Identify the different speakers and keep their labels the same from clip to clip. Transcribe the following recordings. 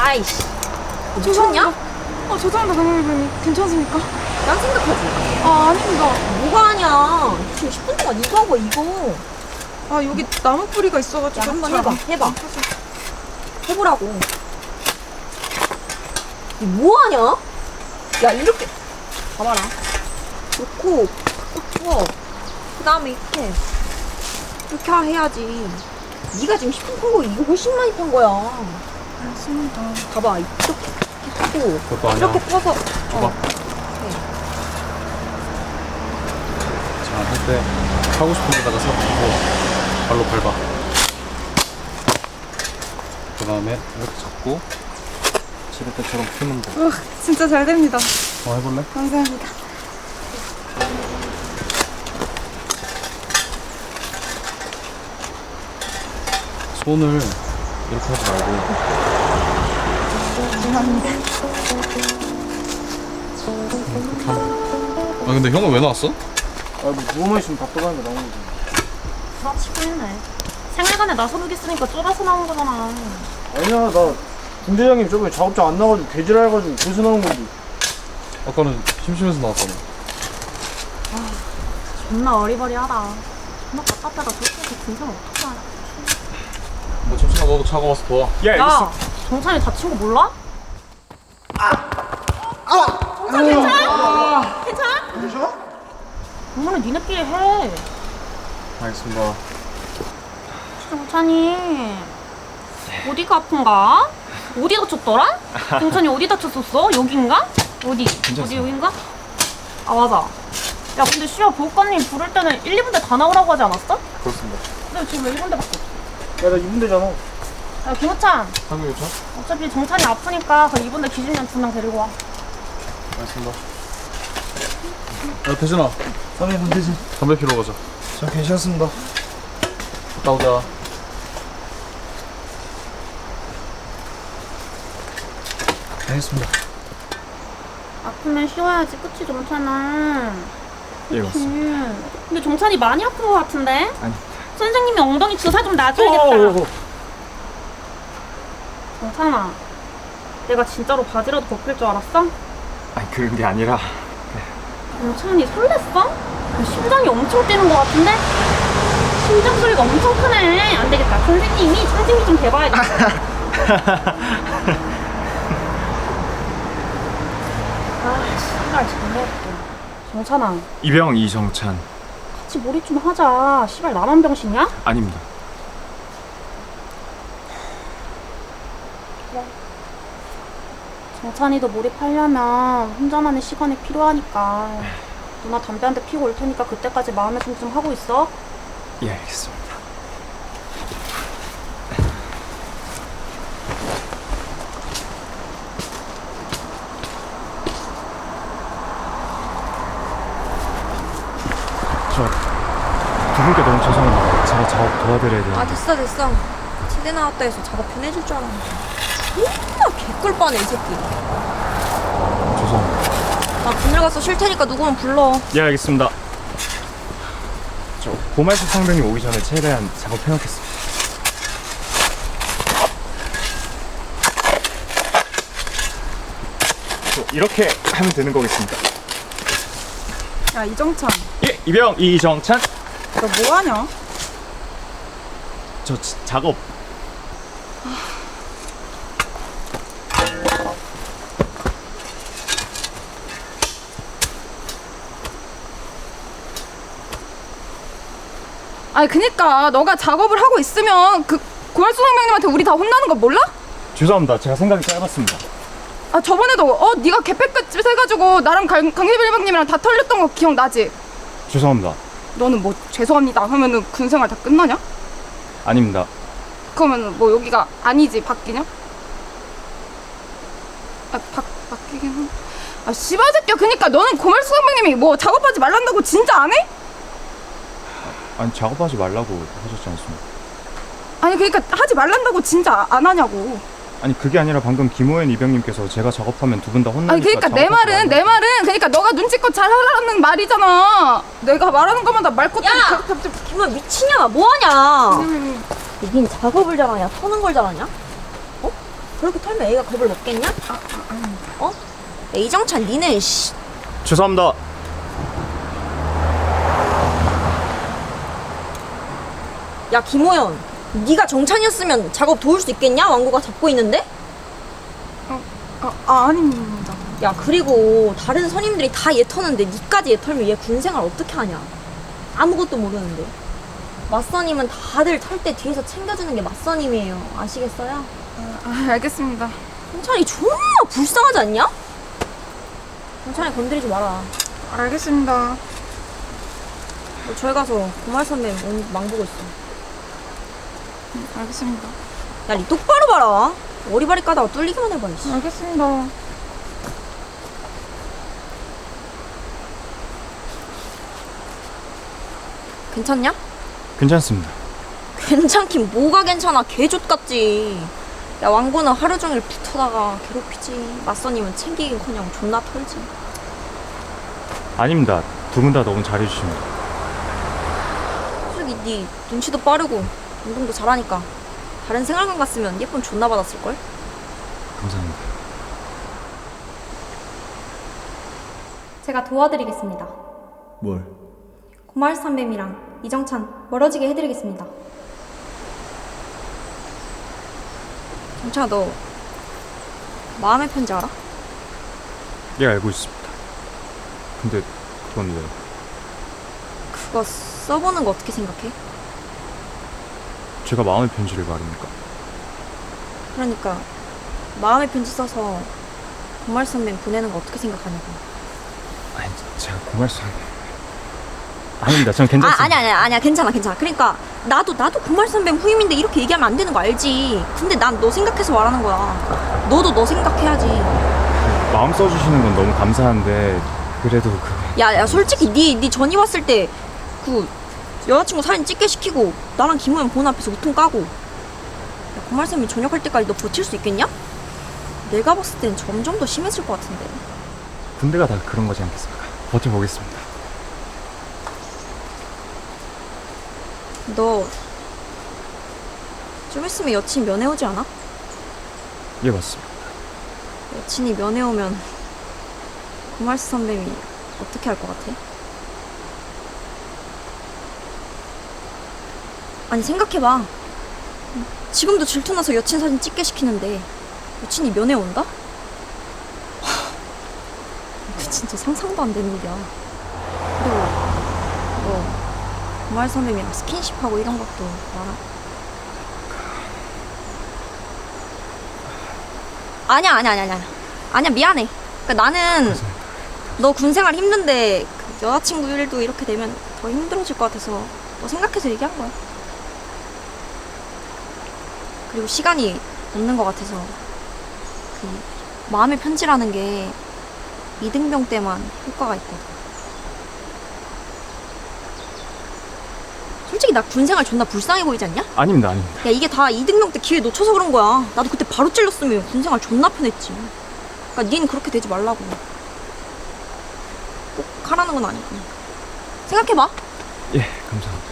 Speaker 1: 아이씨. 미쳤냐?
Speaker 2: 죄송합니다, 강일배님. 괜찮습니까?
Speaker 1: 난 생각하지.
Speaker 2: 아닙니다.
Speaker 1: 뭐가 아니야. 지금 10분 동안 이거 하고 이거.
Speaker 2: 여기 나무 뿌리가 있어가지고.
Speaker 1: 야, 한번 해봐. 해보라고. 이 뭐하냐? 야, 이렇게. 봐봐라. 놓고, 팍팍 부어. 그 다음에 이렇게 해야지. 네가 지금 10분 판 거 이거 훨씬 많이 판 거야.
Speaker 2: 알겠습니다.
Speaker 1: 봐봐, 이렇게 하고.
Speaker 3: 그것도 아니야.
Speaker 1: 이렇게 부어서.
Speaker 3: 줘봐. 자, 할 때 하고 싶은 데다가 세우고 발로 밟아. 그 다음에 이렇게 잡고 지를 때처럼 푸는 거.
Speaker 2: 진짜 잘 됩니다.
Speaker 3: 해볼래?
Speaker 2: 감사합니다.
Speaker 3: 손을 이렇게 하지 말고.
Speaker 2: 죄송합니다.
Speaker 3: 아 근데 형은 왜 나왔어?
Speaker 4: 뭐 누워만 있으면 답답하니까 나오는 거지.
Speaker 5: 치고 있네. 생일간에 나서르기 쓰니까 쫄아서 나온 거잖아.
Speaker 4: 아니야, 나 군대장님 저번에 작업장 안 나가지고 개질해가지고 그래서 나온 건데.
Speaker 3: 아까는 심심해서 나왔잖아.
Speaker 5: 존나 어리버리하다. 존나 답답하다. 저렇게 군생을 어떻게 하냐.
Speaker 3: 뭐 정신아 너도 차가 와서 도와.
Speaker 5: 야! 정찬이 다친 거 몰라? 정찬 괜찮아? 괜찮아? 엄마는 니네끼리 해.
Speaker 3: 알겠습니다.
Speaker 5: 정찬이 어디가 아픈가? 어디 다쳤더라? 정찬이 어디 다쳤었어? 여긴가? 어디? 어디 여긴가? 아 맞아. 야 근데 시아 보호관님 부를 때는 1, 2분대 다 나오라고 하지 않았어?
Speaker 3: 그렇습니다.
Speaker 5: 근데 지금 왜 1분대밖에 없어?
Speaker 4: 야, 나 2분대잖아.
Speaker 5: 야 김호찬
Speaker 3: 상규 요청?
Speaker 5: 어차피 정찬이 아프니까 그 2분대 기준년 2명 데리고 와.
Speaker 3: 알겠습니다. 야 태진아,
Speaker 4: 선배님, 군대지.
Speaker 3: 담배 피러 가자.
Speaker 4: 저 괜찮습니다.
Speaker 3: 갔다 오자.
Speaker 4: 알겠습니다.
Speaker 5: 아프면 쉬어야지 그치 정찬아?
Speaker 3: 예 맞습니다.
Speaker 5: 근데 정찬이 많이 아픈 것 같은데?
Speaker 3: 아니.
Speaker 5: 선생님이 엉덩이 주사 좀 놔줘야겠다. 정찬아 내가 진짜로 바지라도 벗길 줄 알았어?
Speaker 6: 아니 그런 게 아니라
Speaker 5: 정찬이 설렜어? 심장이 엄청 뛰는 것 같은데? 심장 소리가 엄청 크네. 안 되겠다. 선생님이 상징이 좀 대봐야겠다. 씨발 정말할게. 정찬아
Speaker 6: 이병 이정찬
Speaker 5: 같이 몰입 좀 하자. 씨발 나만 병신이야?
Speaker 6: 아닙니다.
Speaker 5: 정찬이도 몰입하려면 혼자만의 시간이 필요하니까 누나 담배 한 대 피고 올 테니까 그때까지 마음의 준비 좀 하고 있어.
Speaker 6: 예 알겠습니다. 저 두 분께 너무 죄송합니다. 제가 작업 도와드려야 되는데.
Speaker 1: 됐어. 치대 나왔다 해서 작업 편해질 줄 알았는데. 존나 개꿀 뻔해, 이 새끼.
Speaker 6: 죄송합니다.
Speaker 1: 나 그늘 가서 쉴 테니까 누구면 불러.
Speaker 6: 예 알겠습니다. 저 고말수 상병님 오기 전에 최대한 작업해놓겠습니다. 이렇게 하면 되는 거겠습니다.
Speaker 2: 야, 이정찬.
Speaker 6: 예, 이병 이정찬.
Speaker 2: 너 뭐하냐?
Speaker 6: 저 작업.
Speaker 2: 그니까 너가 작업을 하고 있으면 그 고말수 선배님한테 우리 다 혼나는 거 몰라?
Speaker 6: 죄송합니다. 제가 생각이 짧았습니다.
Speaker 2: 저번에도 네가 개패끝집 해가지고 나랑 강대bil방님이랑 다 털렸던 거 기억나지?
Speaker 6: 죄송합니다.
Speaker 2: 너는 뭐 죄송합니다 하면은 군생활 다 끝나냐?
Speaker 6: 아닙니다.
Speaker 2: 그러면은 뭐 여기가 아니지 바뀌냐? 바뀌긴 한. 씨발 새끼야. 그니까 너는 고말수 선배님이 뭐 작업하지 말란다고 진짜 안 해?
Speaker 6: 아니 작업하지 말라고 하셨지 않습니까?
Speaker 2: 아니 그니까 하지 말란다고 진짜 안 하냐고.
Speaker 6: 아니 그게 아니라 방금 김호연 이병님께서 제가 작업하면 두 분 다 혼나니까.
Speaker 2: 아니 그러니까 내 말은 그러니까 너가 눈치껏 잘하라는 말이잖아. 내가 말하는 것마다 말꽃다리
Speaker 1: 야! 김호연 미치냐? 뭐하냐? 여긴 작업을 잘하냐? 터는 걸 잘하냐? 그렇게 털면 애가 겁을 먹겠냐? 어? 야, 이정찬 니는 씨.
Speaker 6: 죄송합니다.
Speaker 1: 야 김호연, 네가 정찬이었으면 작업 도울 수 있겠냐? 왕구가 잡고 있는데?
Speaker 2: 아닙니다.
Speaker 1: 야 그리고 다른 선임들이 다 얘 터는데 니까지 얘 털면 얘 군생활 어떻게 하냐? 아무것도 모르는데. 맞선임은 다들 털 때 뒤에서 챙겨주는 게 맞선임이에요. 아시겠어요?
Speaker 2: 알겠습니다.
Speaker 1: 정찬이 존나 불쌍하지 않냐? 정찬이 건드리지 마라.
Speaker 2: 알겠습니다.
Speaker 1: 너 저기 가서 고말 선배 망보고 있어.
Speaker 2: 알겠습니다.
Speaker 1: 야 니 똑바로 봐라. 오리발이 까다가 뚫리기만 해봐. 이씨.
Speaker 2: 알겠습니다.
Speaker 1: 괜찮냐?
Speaker 6: 괜찮습니다.
Speaker 1: 괜찮긴 뭐가 괜찮아. 개족같지. 야 왕고는 하루 종일 붙어다가 괴롭히지. 맞선임은 챙기긴커녕 존나 털지.
Speaker 6: 아닙니다. 두 분 다 너무 잘해주십니다.
Speaker 1: 솔직히 니 눈치도 빠르고 운동도 잘하니까 다른 생활관 갔으면 예쁨 존나 받았을걸?
Speaker 6: 감사합니다.
Speaker 7: 제가 도와드리겠습니다.
Speaker 4: 뭘?
Speaker 7: 고마울 선배님이랑 이정찬 멀어지게 해드리겠습니다.
Speaker 1: 정찬아 너 마음의 편지 알아?
Speaker 6: 예, 알고 있습니다. 근데 그건 왜?
Speaker 1: 그거 써보는 거 어떻게 생각해?
Speaker 6: 제가 마음의 편지를 말입니까?
Speaker 1: 그러니까 마음의 편지 써서 고말 선배 보내는 거 어떻게 생각하냐고.
Speaker 6: 아니, 제가 고말씀... 아닙니다. 전 괜찮습니다.
Speaker 1: 아니야 괜찮아. 그러니까 나도 고말 선배 후임인데 이렇게 얘기하면 안 되는 거 알지. 근데 난 너 생각해서 말하는 거야. 너도 너 생각해야지.
Speaker 6: 마음 써주시는 건 너무 감사한데 그래도
Speaker 1: 야 솔직히 네 전이 왔을 때 그 여자친구 사진 찍게 시키고 나랑 김호연 본 앞에서 우통 까고. 야, 고말 선배 전역할 때까지 너 버틸 수 있겠냐? 내가 봤을 땐 점점 더 심해질 것 같은데.
Speaker 6: 군대가 다 그런 거지 않겠습니까? 버텨보겠습니다.
Speaker 1: 너 좀 있으면 여친 면회 오지 않아?
Speaker 6: 예, 맞습니다.
Speaker 1: 여친이 면회 오면 고말스 선배님이 어떻게 할 것 같아? 아니 생각해봐. 지금도 질투나서 여친 사진 찍게 시키는데 여친이 면회 온다? 그 진짜 상상도 안 되는 일이야. 그리고 너 고말 선배님이랑 스킨십하고 이런 것도 알아? 아니야 미안해. 그러니까 나는 너 군생활 힘든데 그 여자친구 일도 이렇게 되면 더 힘들어질 것 같아서 너 생각해서 얘기한 거야. 그리고 시간이 없는 것 같아서 그 마음의 편지라는 게 이등병 때만 효과가 있거든. 솔직히 나 군생활 존나 불쌍해 보이지 않냐?
Speaker 6: 아닙니다.
Speaker 1: 야 이게 다 이등병 때 기회 놓쳐서 그런 거야. 나도 그때 바로 찔렀으면 군생활 존나 편했지. 그러니까 닌 그렇게 되지 말라고. 꼭 하라는 건 아니고 생각해봐.
Speaker 6: 예, 감사합니다.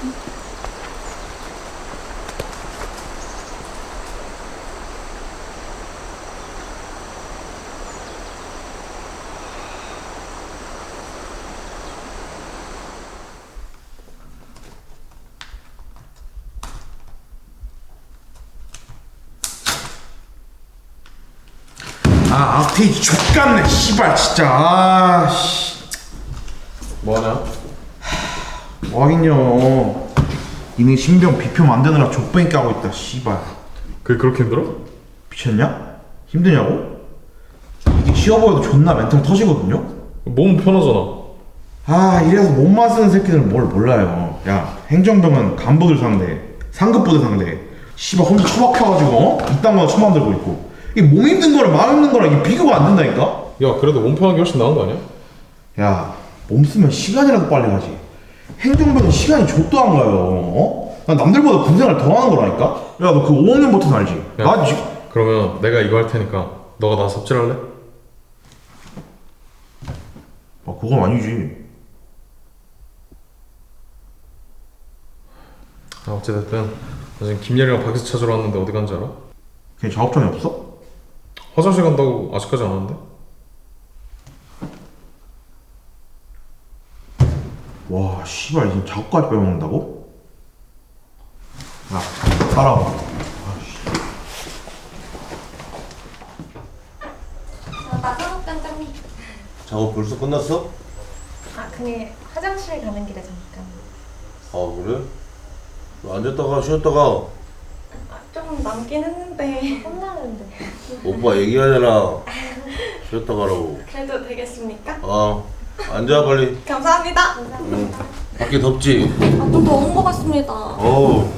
Speaker 8: 아, 앞페이지 족같네, 씨발, 진짜. 아, 씨.
Speaker 3: 뭐하냐?
Speaker 8: 뭐 하긴요. 니네 신병 비표 만드느라 족뱅이 까고 있다, 씨발.
Speaker 3: 그게 그렇게 힘들어?
Speaker 8: 미쳤냐? 힘드냐고? 이게 쉬워 보여도 존나 멘탈 터지거든요?
Speaker 3: 몸 편하잖아.
Speaker 8: 아, 이래서 몸만 쓰는 새끼들은 뭘 몰라요. 야, 행정병은 간부들 상대, 상급부들 상대. 씨발, 혼자 처박혀가지고, 이딴 거나 처만들고 있고. 이게 몸 힘든 거랑 마음 힘든 거랑 이게 비교가 안 된다니까?
Speaker 3: 야, 그래도 몸 편한 게 훨씬 나은 거 아니야?
Speaker 8: 야, 몸 쓰면 시간이라도 빨리 가지. 행정병은 시간이 족도 안 가요. 어? 난 남들보다 군생활 더 하는 거라니까? 야, 너 그 5학년 버튼 알지?
Speaker 3: 야,
Speaker 8: 나
Speaker 3: 그러면 내가 이거 할 테니까 너가 나 삽질할래?
Speaker 8: 아, 그건 아니지.
Speaker 3: 아, 어찌됐든 나 지금 김예리랑 박스 찾으러 왔는데 어디 간지 알아?
Speaker 8: 걔 작업장이 없어?
Speaker 3: 화장실 간다고 아직까지 안 왔는데?
Speaker 8: 와 씨발 지금 작업까지 빼먹는다고? 야 따라와.
Speaker 7: 나사업단장님.
Speaker 9: 작업 벌써 끝났어?
Speaker 7: 그게 화장실 가는 길에 잠깐.
Speaker 9: 아 그래? 너 앉았다가 쉬었다가
Speaker 7: 좀 남긴 했는데. 혼나는데.
Speaker 9: 오빠 얘기하잖아. 쉬었다 가라고.
Speaker 7: 그래도 되겠습니까?
Speaker 9: 앉아 빨리.
Speaker 7: 감사합니다.
Speaker 9: 응. 밖에 덥지?
Speaker 7: 좀 더운 것 같습니다.
Speaker 9: 어우.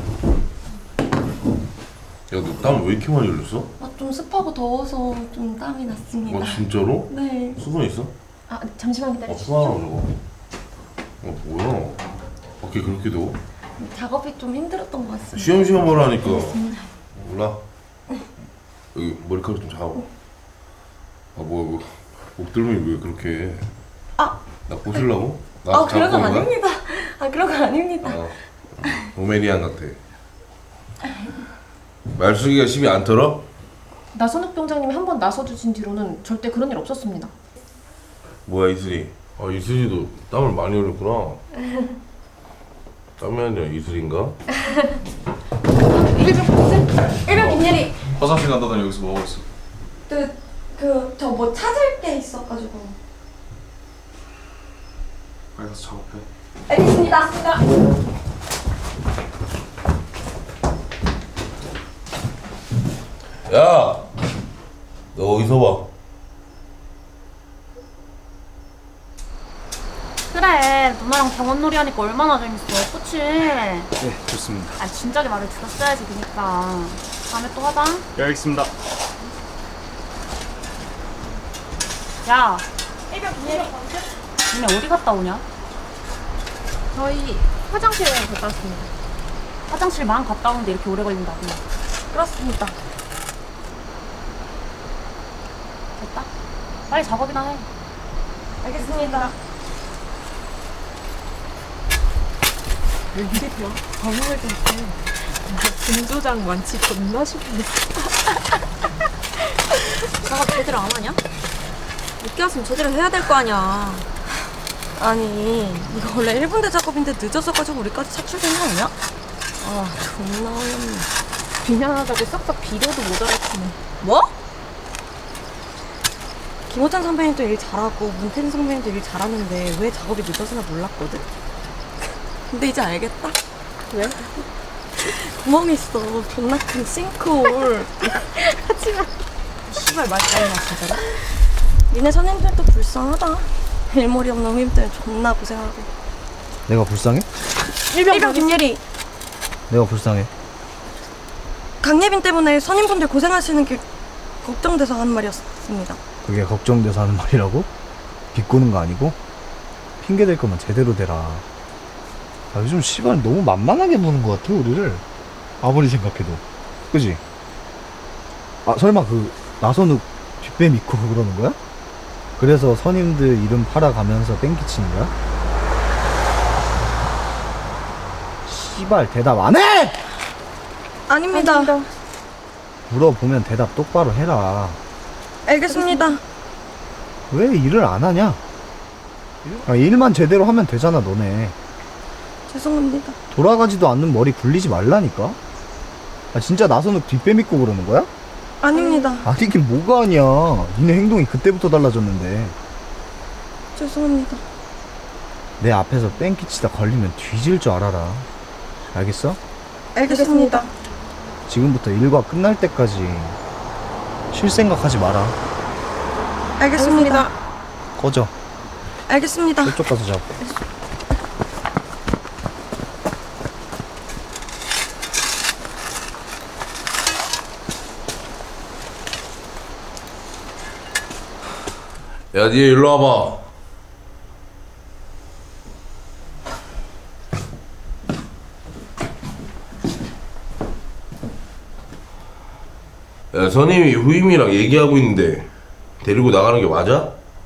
Speaker 9: 야 너 땀 왜 이렇게 많이 흘렸어?
Speaker 7: 좀 습하고 더워서 좀 땀이 났습니다.
Speaker 9: 진짜로?
Speaker 7: 네.
Speaker 9: 수건 있어?
Speaker 7: 잠시만
Speaker 9: 수건
Speaker 7: 기다려주세요.
Speaker 9: 하나 저거. 뭐야? 밖에 그렇게 더워?
Speaker 7: 작업이 좀 힘들었던 것 같습니다.
Speaker 9: 쉬엄쉬엄 하라니까. 몰라. 여기 머리카락 좀 잡아. 뭐야 목덜미 왜 그렇게 해? 나 꼬실라고? 나
Speaker 7: 그런 건
Speaker 9: 잡고 온 거야?
Speaker 7: 아닙니다. 그런 건 아닙니다.
Speaker 9: 로메니안 같아. 말숙이가 심이 안 털어?
Speaker 10: 나선욱 병장님이 한 번 나서주신 뒤로는 절대 그런 일 없었습니다.
Speaker 9: 뭐야 이슬이? 이슬이도 땀을 많이 흘렸구나. 땀이 아니라 이슬인가?
Speaker 7: 일병 김예리.
Speaker 3: 화장실 간다더니 여기서 뭐 하고 있어?
Speaker 7: 저 뭐 찾을 게 있어가지고.
Speaker 3: 빨리 가서 작업해.
Speaker 7: 알겠습니다.
Speaker 9: 야! 너 어디서 봐?
Speaker 5: 그래, 누나랑 병원놀이 하니까 얼마나 재밌어, 그치?
Speaker 6: 네, 좋습니다.
Speaker 5: 진작에 말을 들었어야지, 그니까. 다음에 또 하자.
Speaker 6: 네, 알겠습니다.
Speaker 5: 야, 니네 어디 갔다 오냐?
Speaker 10: 저희 화장실에 갔다 왔습니다.
Speaker 5: 화장실만 갔다 오는데 이렇게 오래 걸린다고.
Speaker 7: 그렇습니다.
Speaker 5: 됐다. 빨리 작업이나 해.
Speaker 7: 알겠습니다.
Speaker 10: 웬일이야? 방송할 때 김조장 완치 겁나 싶은데.
Speaker 1: 작업 제대로 안 하냐? 늦게 왔으면 제대로 해야 될 거 아니야.
Speaker 7: 아니 이거 원래 1분대 작업인데 늦어서가지고 우리까지 차출된 거 아니야? 존나 어이없네.
Speaker 10: 비난하다고 싹싹 비려도 못 알아듣네.
Speaker 7: 뭐? 김호찬 선배님도 일 잘하고 문태진 선배님도 일 잘하는데 왜 작업이 늦어서나 몰랐거든? 근데 이제 알겠다. 왜? 구멍 있어. 존나 큰 싱크홀. 하지마. 씨발 말 잘해라 진짜로. 니네 선임들도 불쌍하다. 일머리 없는 후임 때문에 존나 고생하고.
Speaker 4: 내가 불쌍해?
Speaker 7: 일병 김예리.
Speaker 4: 내가 불쌍해.
Speaker 7: 강예빈 때문에 선임분들 고생하시는 게 걱정돼서 하는 말이었습니다.
Speaker 4: 그게 걱정돼서 하는 말이라고? 비꼬는 거 아니고? 핑계 댈 거면 제대로 대라. 요즘 시발 너무 만만하게 보는 것 같아 우리를. 아무리 생각해도. 그지? 설마 나선욱 뒷배 믿고 그러는 거야? 그래서 선임들 이름 팔아가면서 뺑기치는 거야? 시발 대답 안 해!
Speaker 7: 아닙니다.
Speaker 4: 물어보면 대답 똑바로 해라.
Speaker 7: 알겠습니다.
Speaker 4: 왜 일을 안 하냐? 일만 제대로 하면 되잖아 너네.
Speaker 7: 죄송합니다.
Speaker 4: 돌아가지도 않는 머리 굴리지 말라니까. 진짜 나선욱 뒷배 믿고 그러는 거야?
Speaker 7: 아닙니다.
Speaker 4: 아니긴 뭐가 아니야. 니네 행동이 그때부터 달라졌는데.
Speaker 7: 죄송합니다.
Speaker 4: 내 앞에서 뺑기치다 걸리면 뒤질 줄 알아라. 알겠어?
Speaker 7: 알겠습니다.
Speaker 4: 지금부터 일과 끝날 때까지 쉴 생각하지 마라.
Speaker 7: 알겠습니다.
Speaker 4: 꺼져.
Speaker 7: 알겠습니다.
Speaker 4: 저쪽 가서 자고.
Speaker 9: 야, 니 일로 와봐. 야, 선임이 후임이랑 얘기하고 있는데 데리고 나가는 게 맞아?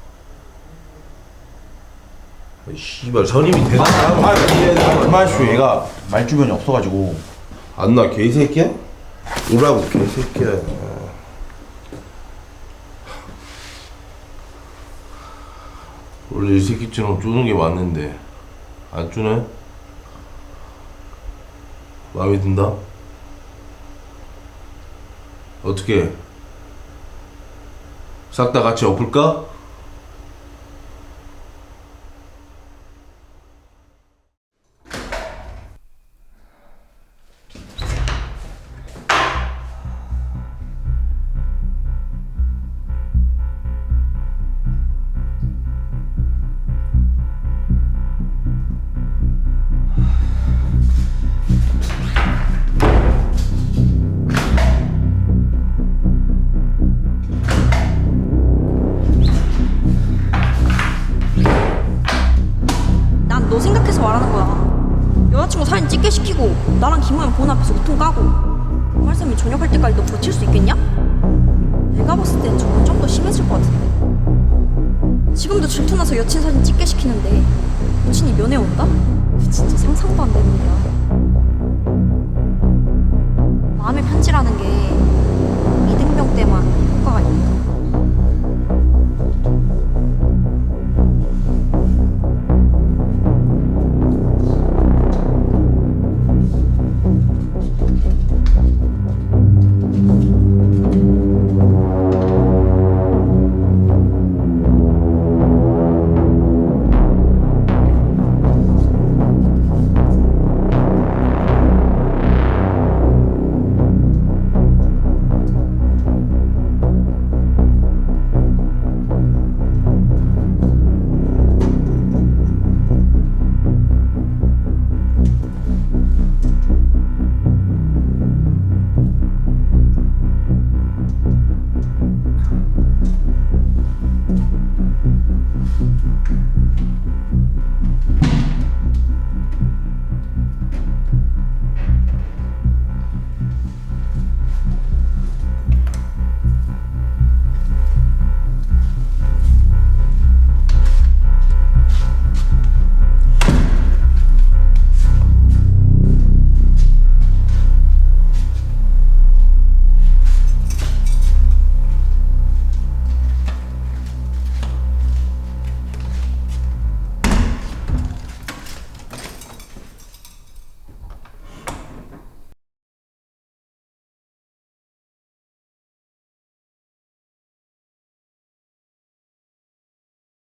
Speaker 9: 씨발 선임이 대단하다.
Speaker 8: 그만하시오. 얘가 말주변이 없어가지고.
Speaker 9: 안나 개새끼야? 오라고 개새끼야. 원래 이 새끼처럼 쪼는 게 맞는데 안 쪼네? 마음에 든다? 어떻게? 싹 다 같이 엎을까?
Speaker 1: 난 너 생각해서 말하는 거야. 여자친구 사진 찍게 시키고 나랑 김호연 본 앞에서 우통 까고 고말쌤이 저녁할 때까지 너 버틸 수 있겠냐? 내가 봤을 땐 저건 좀 더 심해질 것 같은데. 지금도 질투나서 여친 사진 찍게 시키는데 여친이 면회 온다? 진짜 상상도 안 되는 거야. 마음의 편지라는 게 이등병 때만 효과가 있는 거야.